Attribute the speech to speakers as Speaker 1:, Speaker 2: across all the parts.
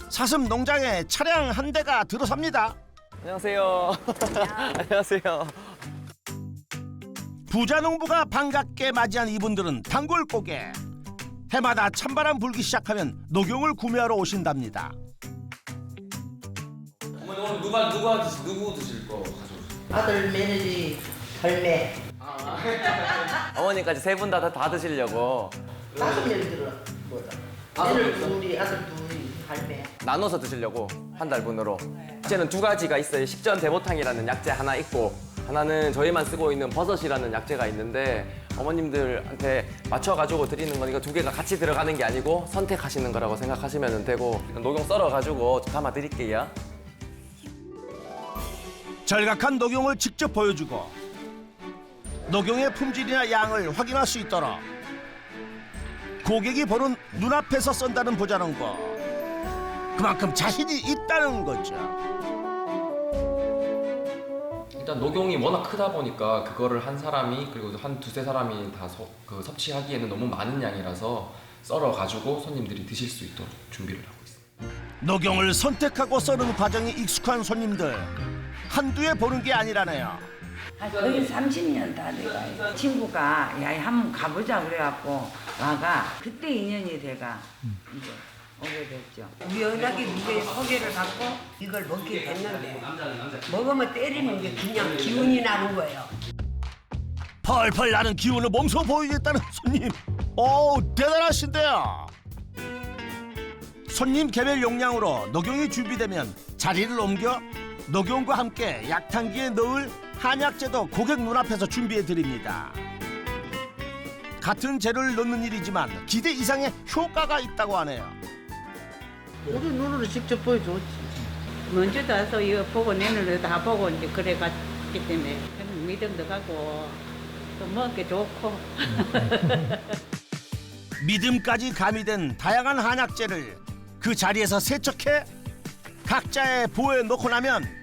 Speaker 1: 사슴 농장에 차량 한 대가 들어섭니다.
Speaker 2: 안녕하세요. 안녕하세요.
Speaker 1: 부자 농부가 반갑게 맞이한 이분들은 단골 고객. 해마다 찬바람 불기 시작하면 녹용을 구매하러 오신답니다.
Speaker 2: 어머니 오늘 누구 드실 거 가져오세요?
Speaker 3: 아들, 며느리, 할매.
Speaker 2: 어머니까지 세 분 다 드시려고
Speaker 3: 5명 들어. 며느리 둘이, 아들 둘이, 할매.
Speaker 2: 나눠서 드시려고 한 달분으로. 이제는 두 가지가 있어요. 식전 대보탕이라는 약재 하나 있고 하나는 저희만 쓰고 있는 버섯이라는 약재가 있는데 어머님들한테 맞춰가지고 드리는 거니까 두 개가 같이 들어가는 게 아니고 선택하시는 거라고 생각하시면 되고 녹용 썰어가지고 담아 드릴게요.
Speaker 1: 절각한 녹용을 직접 보여주고 녹용의 품질이나 양을 확인할 수 있도록 고객이 보는 눈앞에서 썬다는 부자농부. 그만큼 자신이 있다는 거죠.
Speaker 4: 일단 녹용이 워낙 크다 보니까 그거를 한 사람이 그리고 한 두세 사람이 다 섭취하기에는 너무 많은 양이라서 썰어가지고 손님들이 드실 수 있도록 준비를 하고 있습니다.
Speaker 1: 녹용을 선택하고 써는 과정이 익숙한 손님들. 한두에 보는 게 아니라네요.
Speaker 5: 거의 30년 다 돼가. 친구가 야 한번 가보자 그래갖고 와가 그때 인연이 돼가 이제 오게 됐죠.
Speaker 3: 우연하게 누구의 소개를 받고 이걸 먹게 됐는데 먹으면 때리는 게 그냥 기운이 나는 거예요.
Speaker 1: 펄펄 나는 기운을 몸소 보이겠다는 손님. 오, 대단하신데요. 손님 개별 용량으로 녹용이 준비되면 자리를 옮겨 녹용과 함께 약탕기에 넣을 한약재도 고객 눈앞에서 준비해 드립니다. 같은 재료를 넣는 일이지만 기대 이상의 효과가 있다고 하네요.
Speaker 3: 우리 눈으로 직접 보여줬지.
Speaker 6: 먼저 가서 이거 보고 내 눈으로 다 보고 이제 그래갔기 때문에 그냥 믿음도 가고 또 먹기 좋고.
Speaker 1: 믿음까지 가미된 다양한 한약재를 그 자리에서 세척해 각자의 보에 놓고 나면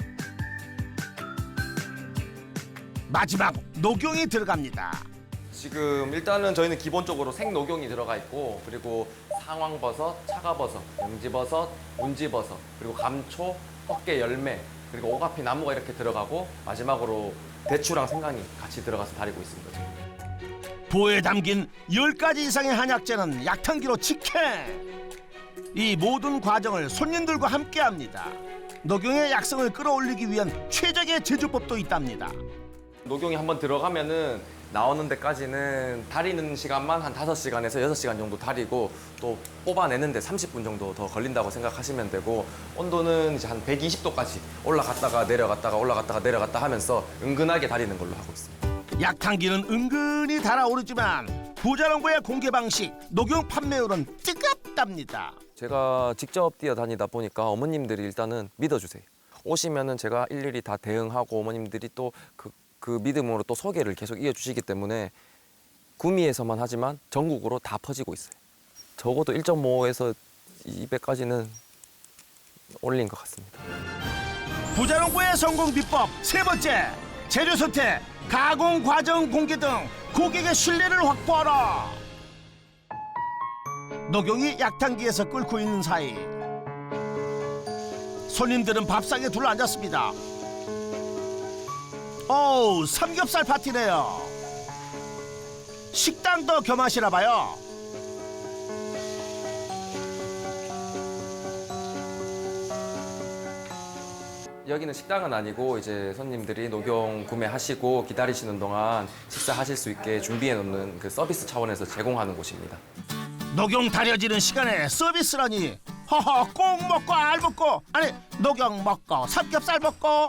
Speaker 1: 마지막 녹용이 들어갑니다.
Speaker 2: 지금 일단은 저희는 기본적으로 생녹용이 들어가 있고 그리고 상황버섯, 차가버섯, 영지버섯, 운지버섯 그리고 감초, 헛개 열매 그리고 오가피 나무가 이렇게 들어가고 마지막으로 대추랑 생강이 같이 들어가서 다리고 있습니다. 지금.
Speaker 1: 보에 담긴 10가지 이상의 한약재는 약탕기로 직행. 이 모든 과정을 손님들과 함께합니다. 녹용의 약성을 끌어올리기 위한 최적의 제조법도 있답니다.
Speaker 2: 녹용이 한번 들어가면은 나오는 데까지는 다리는 시간만 한 5시간에서 6시간 정도 다리고 또 뽑아내는데 30분 정도 더 걸린다고 생각하시면 되고 온도는 이제 한 120도까지 올라갔다가 내려갔다가 올라갔다가 내려갔다 하면서 은근하게 다리는 걸로 하고 있습니다.
Speaker 1: 약탕기는 은근히 달아오르지만 부자농부의 공개 방식, 녹용 판매율은 뜨겁답니다.
Speaker 2: 제가 직접 뛰어다니다 보니까 어머님들이 일단은 믿어주세요. 오시면은 제가 일일이 다 대응하고 어머님들이 또 그 믿음으로 또 소개를 계속 이어주시기 때문에 구미에서만 하지만 전국으로 다 퍼지고 있어요. 적어도 1.5에서 200까지는 올린 것 같습니다.
Speaker 1: 부자농부의 성공 비법 세 번째, 재료 선택, 가공 과정 공개 등 고객의 신뢰를 확보하라. 녹용이 약탕기에서 끓고 있는 사이 손님들은 밥상에 둘러앉았습니다. 어우, 삼겹살 파티네요. 식당도 겸하시나 봐요.
Speaker 2: 여기는 식당은 아니고 이제 손님들이 녹용 구매하시고 기다리시는 동안 식사하실 수 있게 준비해 놓는 그 서비스 차원에서 제공하는 곳입니다.
Speaker 1: 녹용 다려지는 시간에 서비스라니. 허허, 꼭 먹고 알 먹고, 아니 녹용 먹고 삼겹살 먹고